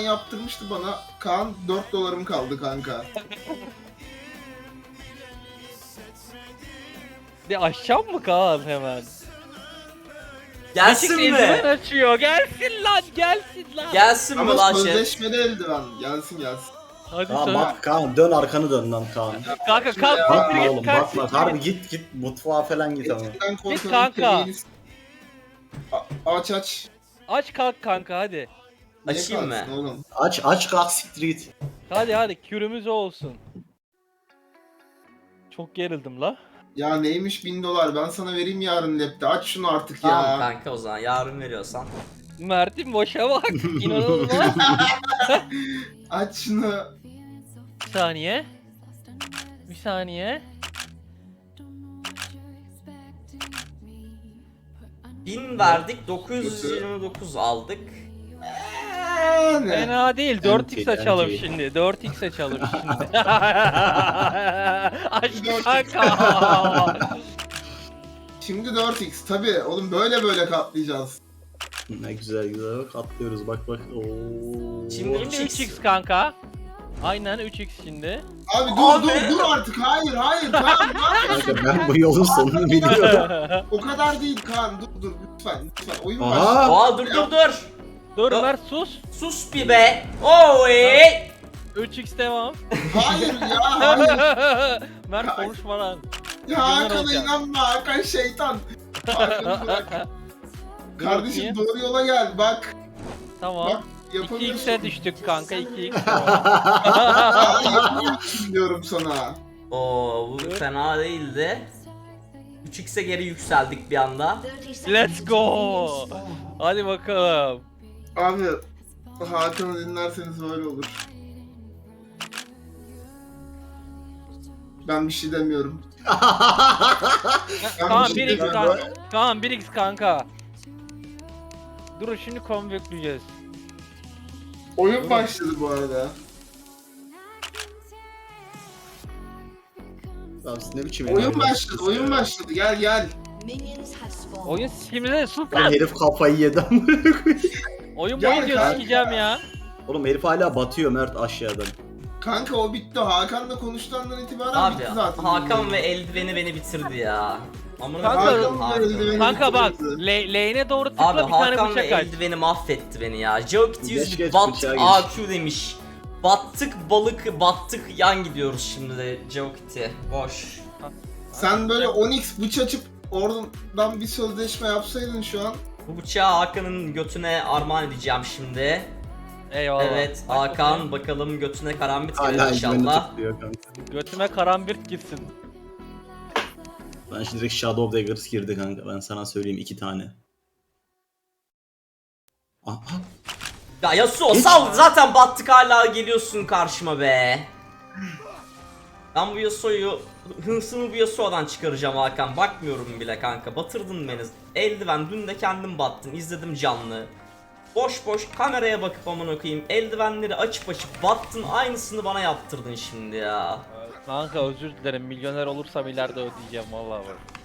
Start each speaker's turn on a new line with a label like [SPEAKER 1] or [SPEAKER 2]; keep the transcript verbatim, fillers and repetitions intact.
[SPEAKER 1] yaptırmıştı bana. Kaan dört dolarım kaldı kanka.
[SPEAKER 2] De aşağı mı Kaan hemen?
[SPEAKER 3] Gelsin
[SPEAKER 2] Açık
[SPEAKER 3] mi?
[SPEAKER 2] eldiven açıyor. Gelsin lan, gelsin lan.
[SPEAKER 3] Gelsin mi
[SPEAKER 1] Ama
[SPEAKER 3] lan chat?
[SPEAKER 1] sözleşmeli eldiven. Gelsin gelsin.
[SPEAKER 2] Hadi
[SPEAKER 4] Kaan
[SPEAKER 2] söyle.
[SPEAKER 4] bak Kaan dön arkanı dön lan Kaan.
[SPEAKER 2] Kanka kalk
[SPEAKER 1] Ya.
[SPEAKER 2] siktir
[SPEAKER 4] Bakma
[SPEAKER 2] git,
[SPEAKER 4] oğlum
[SPEAKER 2] kalk
[SPEAKER 4] bakma.
[SPEAKER 2] siktir
[SPEAKER 4] Harbi
[SPEAKER 2] git.
[SPEAKER 4] git git mutfağa falan git ama.
[SPEAKER 1] Eskiden korkanın
[SPEAKER 2] kanka.
[SPEAKER 1] kemiğini... A- Aç aç.
[SPEAKER 2] Aç kalk kanka hadi.
[SPEAKER 1] Niye
[SPEAKER 3] Açayım mı?
[SPEAKER 1] kalksın oğlum?
[SPEAKER 4] Aç aç kalk siktir git.
[SPEAKER 2] Hadi hadi kürümüz o olsun. Çok gerildim la.
[SPEAKER 1] Ya neymiş bin dolar, ben sana vereyim yarın lapte. Aç şunu artık
[SPEAKER 3] Tamam
[SPEAKER 1] ya.
[SPEAKER 3] kanka o zaman yarın veriyorsan.
[SPEAKER 2] Mert'in boşa bak. İnanılmaz.
[SPEAKER 1] Aç şunu.
[SPEAKER 2] Bir saniye. Bir saniye.
[SPEAKER 3] bin verdik dokuz yüz yirmi dokuz aldık.
[SPEAKER 1] Yani.
[SPEAKER 2] Fena değil. dört x
[SPEAKER 4] Anti,
[SPEAKER 2] açalım
[SPEAKER 4] anti.
[SPEAKER 2] şimdi. dört x açalım şimdi. Aç kanka.
[SPEAKER 1] Şimdi dört x tabi oğlum, böyle böyle katlayacağız.
[SPEAKER 4] Ne güzel güzel bak atlıyoruz bak bak. Oo.
[SPEAKER 3] Şimdi
[SPEAKER 2] Şimdi üç x kanka. Aynen üç x şimdi.
[SPEAKER 1] Abi dur
[SPEAKER 3] Abi.
[SPEAKER 1] dur dur artık, hayır hayır Kaan, ne yapıyorsun?
[SPEAKER 4] Kanka ben bu yolun sonunu biliyorum.
[SPEAKER 1] O kadar değil Kaan, dur dur lütfen lütfen, oyun
[SPEAKER 4] Aha.
[SPEAKER 1] başladı.
[SPEAKER 3] Aa dur dur dur.
[SPEAKER 2] Dur
[SPEAKER 3] Yok.
[SPEAKER 2] Mert sus.
[SPEAKER 3] Sus bir be. Oy.
[SPEAKER 2] üç x devam.
[SPEAKER 1] Hayır ya hayır.
[SPEAKER 2] Mert konuşma lan.
[SPEAKER 1] Ya
[SPEAKER 2] Milyoner
[SPEAKER 1] Hakan'a
[SPEAKER 2] olacağım.
[SPEAKER 1] inanma, Hakan şeytan. Hakan'ı bırak.
[SPEAKER 2] Dur
[SPEAKER 1] Kardeşim
[SPEAKER 2] bakayım.
[SPEAKER 1] doğru yola gel bak.
[SPEAKER 2] Tamam.
[SPEAKER 1] Bak
[SPEAKER 2] iki
[SPEAKER 1] yapamıyorsun.
[SPEAKER 2] x'e düştük kanka iki x.
[SPEAKER 1] Ya, yapamıyorsun diyorum sana.
[SPEAKER 3] Oo bu
[SPEAKER 2] Dur.
[SPEAKER 3] fena değildi. üç x'e geri yükseldik bir anda.
[SPEAKER 2] Let's go. Hadi bakalım.
[SPEAKER 1] Abi Hakan'ı dinlerseniz böyle olur. Ben bir şey demiyorum. Ben
[SPEAKER 2] Kaan
[SPEAKER 1] bir
[SPEAKER 2] bir
[SPEAKER 1] şey
[SPEAKER 2] x
[SPEAKER 1] demiyorum.
[SPEAKER 2] kanka. Kaan bir x kanka. Dur şimdi konvokleyeceğiz.
[SPEAKER 1] Oyun başladı bu arada.
[SPEAKER 4] Abi siz ne biçim
[SPEAKER 1] Oyun
[SPEAKER 4] oynuyorsunuz
[SPEAKER 1] başladı,
[SPEAKER 4] siz
[SPEAKER 1] oyun
[SPEAKER 4] ya?
[SPEAKER 1] başladı. Gel gel.
[SPEAKER 2] Oyun simüle sus
[SPEAKER 4] Lan
[SPEAKER 2] lan.
[SPEAKER 4] herif kafayı yedi amına koyayım.
[SPEAKER 2] Oyun
[SPEAKER 1] Gel
[SPEAKER 2] boyunca
[SPEAKER 1] kanka.
[SPEAKER 2] sikeceğim ya.
[SPEAKER 4] Oğlum herif hala batıyor Mert aşağıdan.
[SPEAKER 1] Kanka o bitti. Hakan'la konuştuğundan itibaren
[SPEAKER 3] Abi
[SPEAKER 1] bitti zaten.
[SPEAKER 3] Hakan ve eldiveni beni bitirdi ya. Amına
[SPEAKER 2] Kanka-
[SPEAKER 3] koyayım
[SPEAKER 1] Hakan ve eldiveni-
[SPEAKER 3] Hakan.
[SPEAKER 2] Kanka bak
[SPEAKER 1] bitirdi.
[SPEAKER 2] le lane'e doğru tıkla
[SPEAKER 3] Abi
[SPEAKER 2] bir tane
[SPEAKER 3] Hakan ve
[SPEAKER 2] bıçak aç.
[SPEAKER 3] eldiveni mahvetti beni ya. Geokit
[SPEAKER 4] Geç,
[SPEAKER 3] yüz
[SPEAKER 4] geç,
[SPEAKER 3] bat
[SPEAKER 4] bıçağa geç.
[SPEAKER 3] A Q demiş. Battık balık battık yan gidiyoruz şimdi de Geokit'e. Boş.
[SPEAKER 1] Sen böyle on x bıç açıp oradan bir sözleşme yapsaydın şu an.
[SPEAKER 3] Bu bıçağı Hakan'ın götüne armağan edeceğim şimdi.
[SPEAKER 2] Eyvallah.
[SPEAKER 3] Evet
[SPEAKER 2] Bak
[SPEAKER 3] Hakan
[SPEAKER 2] bakayım.
[SPEAKER 3] bakalım götüne karambit gelir
[SPEAKER 4] Hala eldiveni
[SPEAKER 3] inşallah.
[SPEAKER 4] tutuyor kanka.
[SPEAKER 2] Götüme karambirt gitsin.
[SPEAKER 4] Ben şimdi direkt Shadow Daggers girdi kanka ben sana söyleyeyim iki tane. Aha.
[SPEAKER 3] Ya Yasuo
[SPEAKER 4] Hiç-
[SPEAKER 3] sal zaten battık hala geliyorsun karşıma be. Ben bu Yasuo'yu hırsımı bu Yasuo'dan çıkaracağım Hakan. Bakmıyorum bile kanka. Batırdın beni. Eldiven dün de kendim battın. İzledim canlı. Boş boş kameraya bakıp amına koyayım. Eldivenleri açıp açıp battın. Aynısını bana yaptırdın şimdi ya.
[SPEAKER 2] Kanka özür dilerim. Milyoner olursam ileride ödeyeceğim vallahi bak.